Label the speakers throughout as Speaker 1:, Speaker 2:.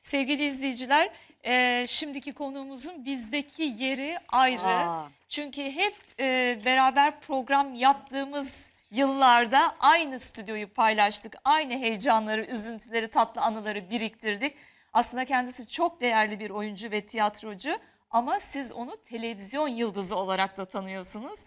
Speaker 1: Sevgili izleyiciler, şimdiki konuğumuzun bizdeki yeri ayrı.
Speaker 2: Aa.
Speaker 1: Çünkü hep beraber program yaptığımız yıllarda aynı stüdyoyu paylaştık. Aynı heyecanları, üzüntüleri, tatlı anıları biriktirdik. Aslında kendisi çok değerli bir oyuncu ve tiyatrocu ama siz onu televizyon yıldızı olarak da tanıyorsunuz.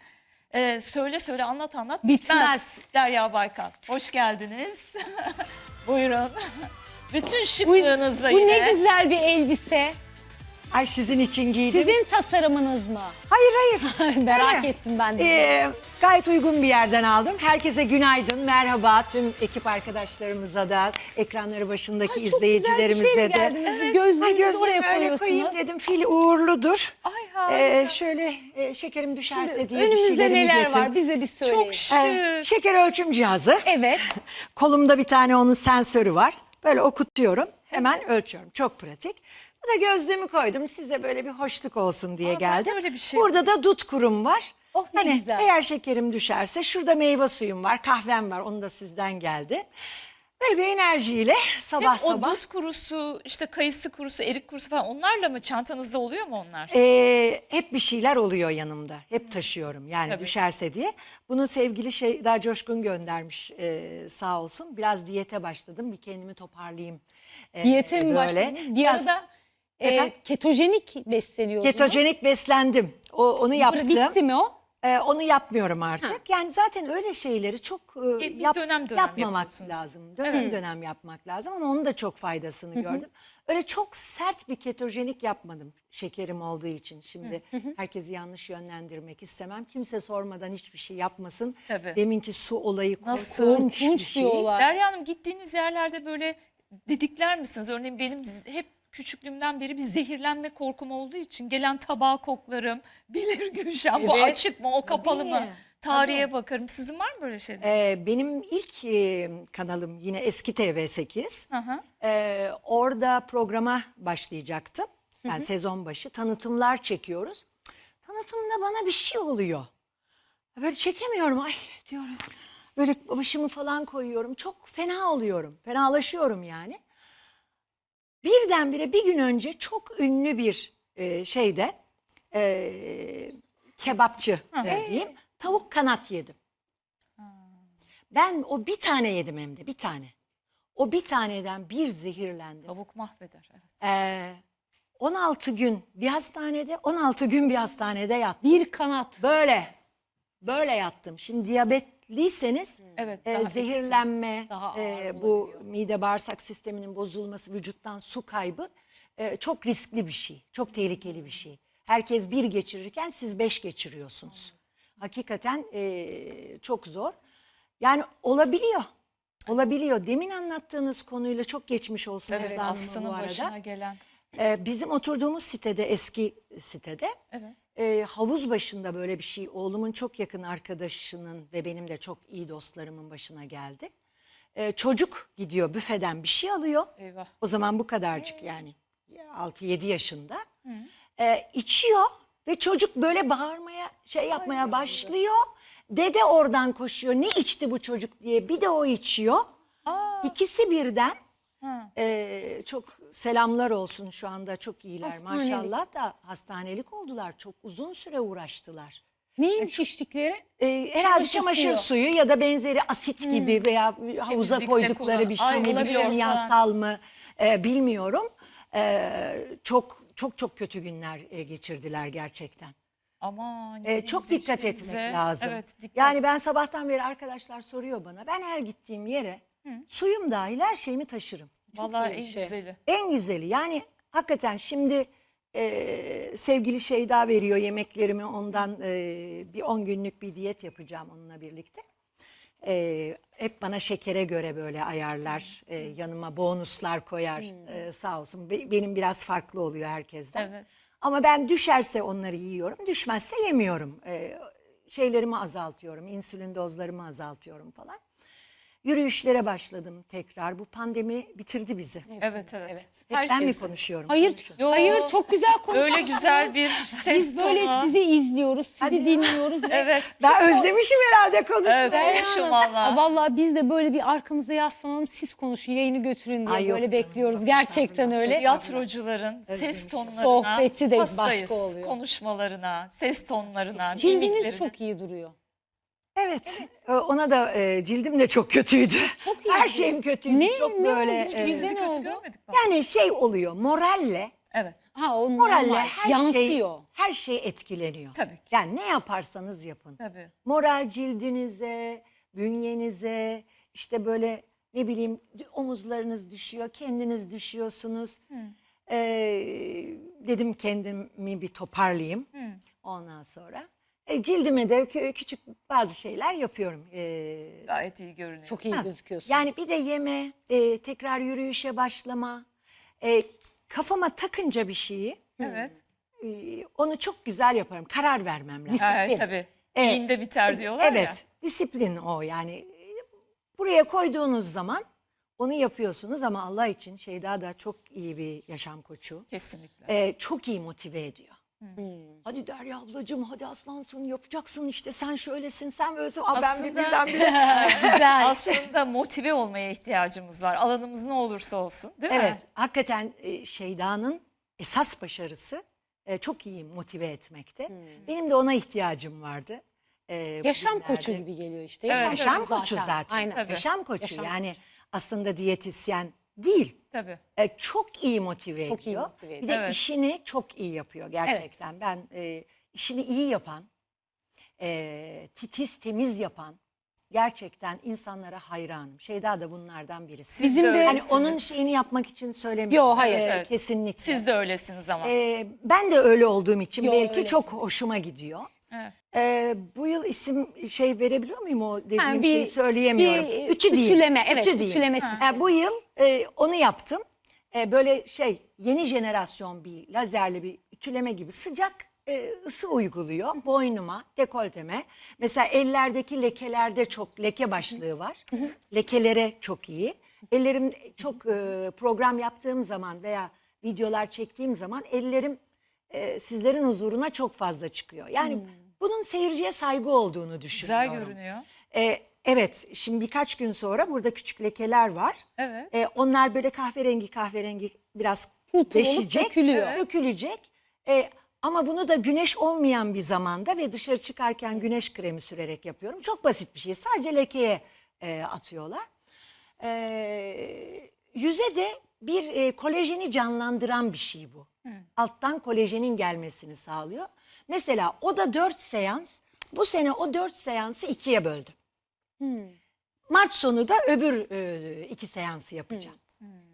Speaker 1: Söyle söyle anlat anlat
Speaker 2: Bitmez.
Speaker 1: Derya Baykan, hoş geldiniz. Buyurun. Bütün şıklığınızla
Speaker 2: Bu
Speaker 1: yine.
Speaker 2: ne güzel bir elbise.
Speaker 3: Ay sizin için giydim.
Speaker 2: Sizin tasarımınız mı?
Speaker 3: Hayır hayır.
Speaker 2: Merak
Speaker 3: Hayır.
Speaker 2: ettim ben de.
Speaker 3: Gayet uygun bir yerden aldım. Herkese günaydın, merhaba tüm ekip arkadaşlarımıza da, ekranları başındaki izleyicilerimize de.
Speaker 2: Geldiniz. Gözlüğünüzü
Speaker 3: Gözlüğümü
Speaker 2: oraya
Speaker 3: öyle koyayım
Speaker 2: koyuyorsunuz.
Speaker 3: dedim, fil uğurludur.
Speaker 1: Ay harika.
Speaker 3: Şöyle şekerim düşerse
Speaker 2: Şimdi
Speaker 3: diye bir
Speaker 2: önümüzde
Speaker 3: şeylerimi
Speaker 2: neler
Speaker 3: getirdim.
Speaker 2: var bize bir söyleyin.
Speaker 1: Çok şık.
Speaker 3: Şeker ölçüm cihazı.
Speaker 2: Evet.
Speaker 3: Kolumda bir tane onun sensörü var. Böyle okutuyorum. Hemen ölçüyorum. Çok pratik. Bu da gözlüğümü koydum. Size böyle bir hoşluk olsun diye
Speaker 1: Aa, ben de
Speaker 3: geldim.
Speaker 1: öyle bir şey
Speaker 3: Burada da dut kurum var.
Speaker 2: Oh, ne
Speaker 3: hani
Speaker 2: güzel.
Speaker 3: eğer şekerim düşerse şurada meyve suyum var, kahvem var. Onu da sizden geldi. Böyle bir enerjiyle sabah
Speaker 1: Hep o
Speaker 3: sabah.
Speaker 1: dut kurusu, işte kayısı kurusu, erik kurusu falan onlarla mı çantanızda oluyor mu onlar?
Speaker 3: Hep bir şeyler oluyor yanımda. Hep taşıyorum yani
Speaker 1: Tabii.
Speaker 3: düşerse diye. Bunu sevgili Şeyda Coşkun göndermiş sağ olsun. Biraz diyete başladım. Bir kendimi toparlayayım.
Speaker 2: Diyete mi
Speaker 3: böyle.
Speaker 2: başladınız? Bir
Speaker 3: Biraz
Speaker 2: arada
Speaker 3: Efendim?
Speaker 2: ketojenik besleniyordunuz.
Speaker 3: ketojenik beslendim. Onu yaptım.
Speaker 2: Bitti mi o?
Speaker 3: Onu yapmıyorum artık. Yani zaten öyle şeyleri çok
Speaker 1: Bir dönem
Speaker 3: yapmamak
Speaker 1: yapıyorsunuz.
Speaker 3: lazım. Dönem dönem yapmak lazım ama onun da çok faydasını gördüm. Öyle çok sert bir ketojenik yapmadım şekerim olduğu için. Şimdi herkesi yanlış yönlendirmek istemem. Kimse sormadan hiçbir şey yapmasın.
Speaker 1: Tabii.
Speaker 3: Deminki su olayı
Speaker 1: Nasıl?
Speaker 3: korkunç bir
Speaker 2: Korkunç
Speaker 3: şey.
Speaker 2: diyorlar.
Speaker 1: Derya Hanım, gittiğiniz yerlerde böyle didikler misiniz? Örneğin benim hep küçüklüğümden beri bir zehirlenme korkum olduğu için gelen tabağı koklarım. Bilir Gülşen, bu
Speaker 2: Evet.
Speaker 1: açık mı o kapalı mı?
Speaker 3: Tabii,
Speaker 1: Tarihe
Speaker 3: tabii.
Speaker 1: bakarım. Sizin var mı böyle şeyler?
Speaker 3: Benim ilk kanalım yine eski TV8.
Speaker 1: Hı hı.
Speaker 3: Orada programa başlayacaktım. Yani sezon başı tanıtımlar çekiyoruz. Tanıtımda bana bir şey oluyor. Böyle çekemiyorum. Ay diyorum. Böyle başımı falan koyuyorum. Çok fena oluyorum. Fenalaşıyorum yani. Birdenbire bir gün önce çok ünlü bir şeyde kebapçı diyeyim. Tavuk kanat yedim. Ben o bir tane yedim hem de bir tane. O bir taneden bir zehirlendim.
Speaker 1: Tavuk mahveder. Evet.
Speaker 3: 16 gün bir hastanede, 16 gün bir hastanede yattım.
Speaker 2: Bir kanat.
Speaker 3: Böyle yattım. Şimdi diyabetliyseniz
Speaker 1: Evet, daha
Speaker 3: zehirlenme,
Speaker 2: Daha ağır
Speaker 3: bu
Speaker 2: olabiliyor.
Speaker 3: mide bağırsak sisteminin bozulması, vücuttan su kaybı çok riskli bir şey. Çok tehlikeli bir şey. Herkes bir geçirirken siz 5 geçiriyorsunuz. Hakikaten çok zor. Yani olabiliyor. Olabiliyor. Demin anlattığınız konuyla çok geçmiş olsun
Speaker 1: Evet,
Speaker 3: Aslı Hanım'a
Speaker 1: Aslı'nın
Speaker 3: bu arada.
Speaker 1: başına gelen.
Speaker 3: Bizim oturduğumuz sitede, eski sitede havuz başında böyle bir şey oğlumun çok yakın arkadaşının ve benim de çok iyi dostlarımın başına geldi. Çocuk gidiyor büfeden bir şey alıyor.
Speaker 1: Eyvah.
Speaker 3: O zaman bu kadarcık yani 6-7 yaşında. İçiyor ve çocuk böyle bağırmaya yapmaya başlıyor. Dede oradan koşuyor. Ne içti bu çocuk diye. Bir de o içiyor. İkisi birden. Çok selamlar olsun, şu anda çok iyiler
Speaker 2: Hastanelik.
Speaker 3: maşallah da hastanelik oldular. Çok uzun süre uğraştılar.
Speaker 2: Neymiş içtikleri?
Speaker 3: Herhalde
Speaker 2: Çamaşır
Speaker 3: çamaşır suyu ya da benzeri asit gibi veya havuza
Speaker 1: Temizlikte
Speaker 3: koydukları bir şey
Speaker 1: kullan- Ay,
Speaker 3: mi,
Speaker 1: olabilir
Speaker 3: kimyasal mı bilmiyorum. Çok çok çok kötü günler geçirdiler gerçekten.
Speaker 1: Aman.
Speaker 3: Çok dikkat etmek lazım.
Speaker 1: Evet, dikkat.
Speaker 3: Yani ben sabahtan beri arkadaşlar soruyor bana. Ben her gittiğim yere suyum dahil her şeyimi taşırım.
Speaker 1: Vallahi
Speaker 2: iyi bir
Speaker 1: en
Speaker 2: şey.
Speaker 1: güzeli.
Speaker 3: En güzeli yani hakikaten şimdi sevgili Şeyda veriyor yemeklerimi, ondan bir 10 günlük bir diyet yapacağım onunla birlikte. Hep bana şekere göre böyle ayarlar, yanıma bonuslar koyar sağ olsun. Benim biraz farklı oluyor herkesten.
Speaker 1: Evet.
Speaker 3: Ama ben düşerse onları yiyorum, düşmezse yemiyorum. Şeylerimi azaltıyorum, insülin dozlarımı azaltıyorum falan. Yürüyüşlere başladım tekrar. Bu pandemi bitirdi bizi.
Speaker 1: Evet, evet.
Speaker 3: Hep ben mi
Speaker 1: Herkesi.
Speaker 3: konuşuyorum?
Speaker 2: Hayır,
Speaker 1: Yo,
Speaker 2: hayır çok güzel konuşuyorsunuz.
Speaker 1: Öyle güzel bir ses
Speaker 2: Biz böyle
Speaker 1: tonu.
Speaker 2: sizi izliyoruz, sizi dinliyoruz. ve
Speaker 1: Evet.
Speaker 3: Ben özlemişim herhalde konuşmayı.
Speaker 1: Evet,
Speaker 2: Derya
Speaker 1: konuşun
Speaker 2: Hanım,
Speaker 1: valla.
Speaker 2: Vallahi biz de böyle bir arkamızda yaslanalım, siz konuşun, yayını götürün diye
Speaker 3: Ay yok
Speaker 2: böyle
Speaker 3: canım,
Speaker 2: bekliyoruz.
Speaker 3: yok,
Speaker 2: Gerçekten
Speaker 3: estağfurullah.
Speaker 2: öyle.
Speaker 1: Tiyatrocuların ses
Speaker 3: Özlemişim.
Speaker 1: tonlarına
Speaker 2: Sohbeti de
Speaker 1: hastayız.
Speaker 2: başka oluyor.
Speaker 1: Konuşmalarına, ses tonlarına,
Speaker 2: Cildiniz
Speaker 1: mimiklerine.
Speaker 2: çok iyi duruyor.
Speaker 3: Evet. Ona da cildim de çok kötüydü.
Speaker 2: Çok iyi
Speaker 3: Her
Speaker 2: duruyor.
Speaker 3: şeyim kötüydü.
Speaker 2: Ne?
Speaker 3: Çok
Speaker 2: Ne
Speaker 3: böyle.
Speaker 2: oldu?
Speaker 1: Biz
Speaker 2: Bizde
Speaker 1: sizi
Speaker 2: ne
Speaker 1: kötü
Speaker 2: oldu?
Speaker 1: görmedik mi?
Speaker 3: Yani şey oluyor. Moralle
Speaker 1: Evet.
Speaker 2: Ha o
Speaker 3: moralle
Speaker 2: normal. Yansıyor.
Speaker 3: her şey etkileniyor.
Speaker 1: Tabii ki.
Speaker 3: Yani ne yaparsanız yapın.
Speaker 1: Tabii.
Speaker 3: Moral cildinize, bünyenize, işte böyle ne bileyim omuzlarınız düşüyor, kendiniz düşüyorsunuz. Dedim kendimi bir toparlayayım. Ondan sonra cildime de küçük bazı şeyler yapıyorum.
Speaker 1: Gayet iyi görünüyor.
Speaker 2: Çok iyi
Speaker 3: Ha,
Speaker 2: gözüküyorsun.
Speaker 3: Yani bir de yeme, tekrar yürüyüşe başlama. Kafama takınca bir şeyi
Speaker 1: Evet.
Speaker 3: onu çok güzel yaparım. Karar vermem lazım.
Speaker 1: Evet tabii.
Speaker 3: Evet.
Speaker 1: Dinde biter diyorlar ya.
Speaker 3: Evet, disiplin o yani. Buraya koyduğunuz zaman onu yapıyorsunuz ama Allah için Şeyda da çok iyi bir yaşam koçu.
Speaker 1: Kesinlikle.
Speaker 3: Çok iyi motive ediyor. Hadi Derya ablacığım, hadi aslansın, yapacaksın işte, sen şöylesin, sen böylesin. Aa, ben
Speaker 1: Aslında-
Speaker 3: birdenbire.
Speaker 2: Güzel.
Speaker 1: Aslında motive olmaya ihtiyacımız var. Alanımız ne olursa olsun, değil mi?
Speaker 3: Evet, hakikaten Şeyda'nın esas başarısı çok iyi motive etmekte. Benim de ona ihtiyacım vardı.
Speaker 2: Yaşam
Speaker 3: bugünlerde.
Speaker 2: koçu gibi geliyor işte.
Speaker 1: Evet,
Speaker 3: Yaşam koçu zaten.
Speaker 2: Aynen.
Speaker 1: Tabii.
Speaker 3: Yaşam koçu
Speaker 2: Yaşam
Speaker 3: yani aslında diyetisyen değil.
Speaker 1: Tabii.
Speaker 3: Çok iyi motive
Speaker 2: Çok iyi
Speaker 3: ediyor.
Speaker 2: motive
Speaker 3: Bir
Speaker 2: ediyor.
Speaker 3: de
Speaker 1: Evet.
Speaker 3: işini çok iyi yapıyor gerçekten. Ben işini iyi yapan, titiz temiz yapan gerçekten insanlara hayranım. Şeyda da bunlardan birisi.
Speaker 1: Siz
Speaker 2: Bizim de-
Speaker 1: öylesiniz.
Speaker 3: Hani onun şeyini yapmak için söylemiyorum.
Speaker 2: Yo, hayır.
Speaker 1: Evet.
Speaker 3: Kesinlikle.
Speaker 1: Siz de öylesiniz ama.
Speaker 3: Ben de öyle olduğum için
Speaker 2: Yo,
Speaker 3: belki
Speaker 2: öylesiniz.
Speaker 3: çok hoşuma gidiyor.
Speaker 1: Evet.
Speaker 3: Bu yıl isim verebiliyor muyum, o dediğim
Speaker 2: Ha,
Speaker 3: şeyi söyleyemiyorum.
Speaker 2: bir
Speaker 3: Ütü değil.
Speaker 2: ütüleme, evet,
Speaker 3: Ütü değil.
Speaker 2: ütüleme sistemi.
Speaker 3: Bu yıl onu yaptım. Böyle yeni jenerasyon bir lazerli bir ütüleme gibi sıcak ısı uyguluyor boynuma, dekolteme. Mesela ellerdeki lekelerde çok leke başlığı var. Lekelere çok iyi. Ellerim çok program yaptığım zaman veya videolar çektiğim zaman ellerim sizlerin huzuruna çok fazla çıkıyor. Yani bunun seyirciye saygı olduğunu düşünüyorum.
Speaker 1: Güzel görünüyor.
Speaker 3: Evet, şimdi birkaç gün sonra burada küçük lekeler var.
Speaker 1: Evet.
Speaker 3: Onlar böyle kahverengi biraz
Speaker 2: Pul pul olup
Speaker 3: deşecek,
Speaker 2: dökülüyor.
Speaker 3: dökülecek. Ama bunu da güneş olmayan bir zamanda ve dışarı çıkarken güneş kremi sürerek yapıyorum. Çok basit bir şey. Sadece lekeye atıyorlar. Yüze de bir kolajeni canlandıran bir şey bu. Alttan kolajenin gelmesini sağlıyor. Mesela o da 4 seans. Bu sene o 4 seansı 2'ye böldüm. Mart sonu da öbür 2 seansı yapacağım.